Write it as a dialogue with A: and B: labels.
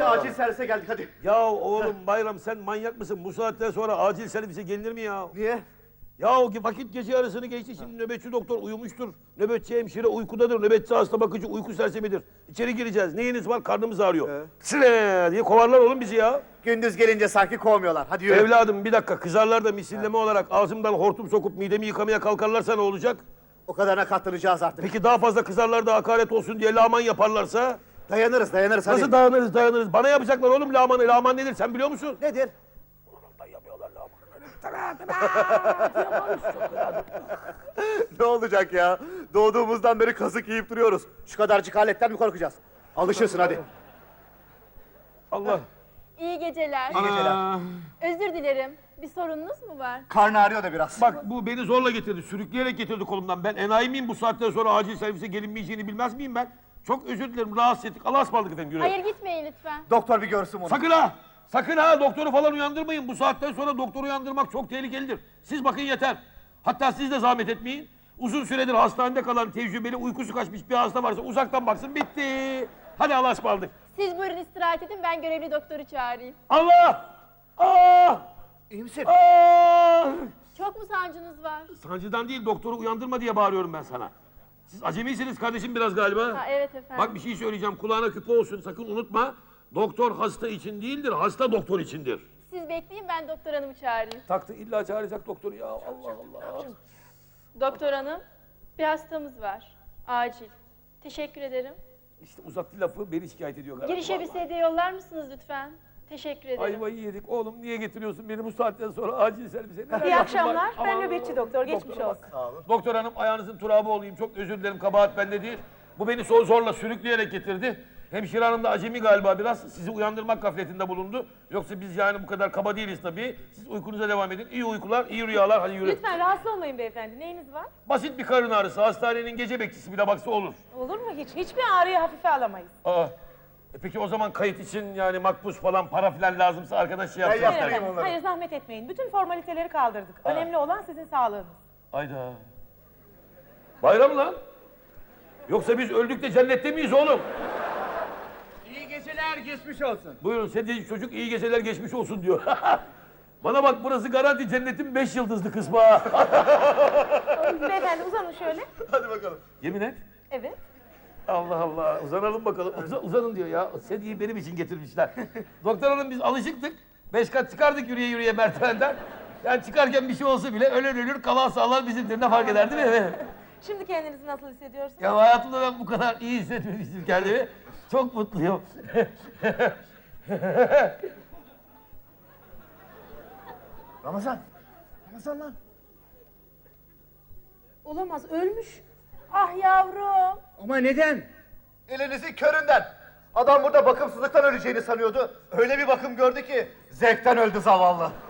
A: acil servise geldik hadi.
B: Ya oğlum Bayram sen manyak mısın? Bu saatten sonra acil servise gelinir mi ya?
A: Niye?
B: Ya vakit gece yarısını geçti, şimdi nöbetçi doktor uyumuştur. Nöbetçi hemşire uykudadır, nöbetçi hasta bakıcı uyku sersemidir. İçeri gireceğiz, neyiniz var? Karnımız ağrıyor. Sıre diye kovarlar oğlum bizi ya.
A: Gündüz gelince sanki kovmuyorlar. Hadi yürü.
B: Evladım bir dakika, kızarlar da misilleme olarak ağzımdan hortum sokup midemi yıkamaya kalkarlarsa ne olacak?
A: O kadarına katlanacağız artık.
B: Peki daha fazla kızarlar da hakaret olsun diye lağman yaparlarsa?
A: Dayanırız hadi.
B: Nasıl dayanırız? Bana yapacaklar oğlum lağmanı. Lağman nedir sen biliyor musun?
A: Nedir?
B: Yapıyorlar lağmanı.
A: Ne olacak ya? Doğduğumuzdan beri kazık yiyip duruyoruz. Şu kadarcık aletten mi korkacağız? Alışırsın hadi.
B: Allah.
C: İyi geceler.
A: İyi geceler.
C: Özür dilerim. Bir sorununuz mu var?
A: Karnı ağrıyor da biraz.
B: Bak bu beni zorla getirdi, sürükleyerek getirdi kolumdan. Ben enayi miyim bu saatten sonra acil servise gelinmeyeceğini bilmez miyim ben? Çok özür dilerim, rahatsız ettik. Allah'a ısmarladık efendim, yürü.
C: Hayır gitmeyin lütfen.
A: Doktor bir görsün bunu.
B: Sakın ha! Sakın ha! Doktoru falan uyandırmayın. Bu saatten sonra doktoru uyandırmak çok tehlikelidir. Siz bakın yeter. Hatta siz de zahmet etmeyin. Uzun süredir hastanede kalan tecrübeli uykusu kaçmış bir hasta varsa uzaktan baksın, bitti. Hadi Allah'a ısmarladık.
C: Siz buyurun istirahat edin, ben görevli doktoru çağırayım.
B: Allah! Ah!
A: İyi misin?
B: Ah!
C: Çok mu sancınız var?
B: Sancıdan değil, doktoru uyandırma diye bağırıyorum ben sana. Siz acemisiniz kardeşim biraz galiba.
C: Ha, evet efendim.
B: Bak bir şey söyleyeceğim, kulağına küpe olsun, sakın unutma. Doktor hasta için değildir, hasta doktor içindir.
C: Siz bekleyin, ben doktor hanımı çağırayım.
B: Taktı, illa çağıracak doktoru ya, Allah Allah.
C: Doktor hanım, bir hastamız var. Acil. Teşekkür ederim.
B: İşte uzattı lafı, beni şikayet ediyor galiba.
C: Girişe bir sedye yollar mısınız lütfen? Teşekkür ederim.
B: Ayvayı yedik. Oğlum niye getiriyorsun beni bu saatten sonra acil servise? Neler
D: İyi
B: yaptım
D: akşamlar.
B: ben?
D: Ben
B: Aman
D: nöbetçi
B: Allah'ım.
D: doktor. Geçmiş
B: Doktora
D: olsun.
B: bak. Doktor hanım ayağınızın turabı olayım. Çok özür dilerim, kabahat bende değil. Bu beni zorla sürükleyerek getirdi. Hemşire hanım da acemi galiba biraz. Sizi uyandırmak gafletinde bulundu. Yoksa biz yani bu kadar kaba değiliz tabii. Siz uykunuza devam edin. İyi uykular, iyi rüyalar. Hadi yürü.
D: Lütfen rahatsız olmayın beyefendi. Neyiniz var?
B: Basit bir karın ağrısı. Hastanenin gece bekçisi bile baksa olur.
D: Olur mu hiç? Hiçbir ağrıyı hafife alamayız.
B: Aa. Peki o zaman kayıt için yani makbuz falan, para falan lazımsa arkadaş şey yapsın.
A: Ben
D: Hayır
A: yaptırayım
D: efendim.
A: onları.
D: Hayır zahmet etmeyin. Bütün formaliteleri kaldırdık. Önemli olan sizin sağlığınız.
B: Hayda. Bayram lan. Yoksa biz öldük de cennette miyiz oğlum?
E: İyi geceler, geçmiş olsun.
B: Buyurun sedye çocuk iyi geceler geçmiş olsun diyor. Bana bak burası garanti cennetin 5 yıldızlı kısmı ha.
D: Beyefendi uzanın şöyle.
A: Hadi bakalım.
B: Yemin et.
D: Evet.
B: Allah Allah uzanalım bakalım. Uzanın diyor ya. Sedyeyi benim için getirmişler. Doktor hanım biz alışıktık. 5 kat çıkardık yürüye yürüye merdivenden. Yani çıkarken bir şey olsa bile ölen ölür kalan sağlar bizimdir. Ne fark eder değil mi?
D: Şimdi kendinizi nasıl hissediyorsunuz?
B: Ya hayatımda ben bu kadar iyi hissetmemiştim kendimi. Çok mutluyum.
A: Ramazan. Ramazan lan.
D: Olamaz. Ölmüş.
C: Ah yavrum.
E: Ama neden?
A: Elinizin köründen. Adam burada bakımsızlıktan öleceğini sanıyordu. Öyle bir bakım gördü ki zevkten öldü zavallı.